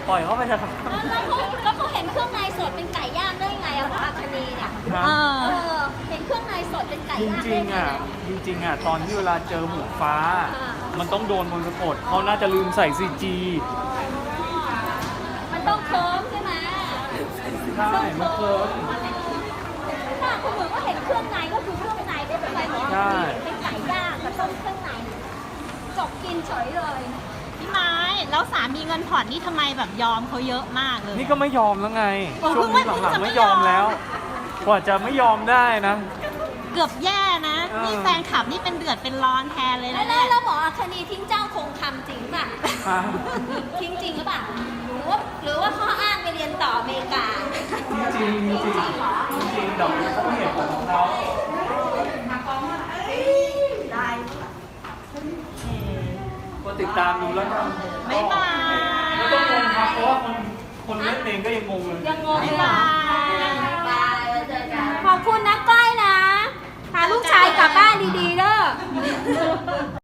ปล่อยเขาไปเถอะครับแล้วเขาเห็นเครื่องในสดเป็นไก่ย่างได้ไงอะหมออัคนีเนี่ยครับเห็นเครื่องในสดเป็นไก่จย่างริได้งไงๆอ่ะจริงๆอ่ะตอนที่เวลาเจอหมูฟ้า มันต้องโดนมนต์สะกดเขาน่าจะลืมใส่ซีจีมันต้องเคิร์มใช่ไหมใช่มันเคิร์มถ้าคุณเหมือนว่าเห็นเครื่องในก็คือเครื่องในไม่เป็นไรหมอใช่เป็นไก่ย่างกับต้มเครื่องในจบกินเฉยเลยพี่ไม้แล้วสามีเงินผ่อนนี่ทำไมแบบยอมเขาเยอะมากเลยนี่ก็ไม่ยอมแล้วไงโอ้ช่วงนี้เพิ่งหลังจะๆไม่ไม่ยอมยอมแล้ว กว่าจะไม่ยอมได้นะเกือบแย่นะเออนี่แฟนคลับนี่เป็นเดือดเป็นร้อนแทนเลยแล้นะวเนี่ยแล้วหมออัคนีทิ้งเจ้าคงคำจริงป่ะอ่ะทิ้งจริงหรือเปล่าหรือว่าข้ออ้างไปเรียนต่ออเมริกาจริงๆจริงๆจริงๆเดี๋ยวเขาไม่เห็นของเขาก็ติดตามดูแล้วกันบ๊ายบายไม่ต้องงงครับเพราะว่าคนเล่นเองก็ยังงงเลยยังงงเลยบ๊ายบายขอบคุณนะก้อยนะ พาลูกชายกลับบ้านดีๆเด้อ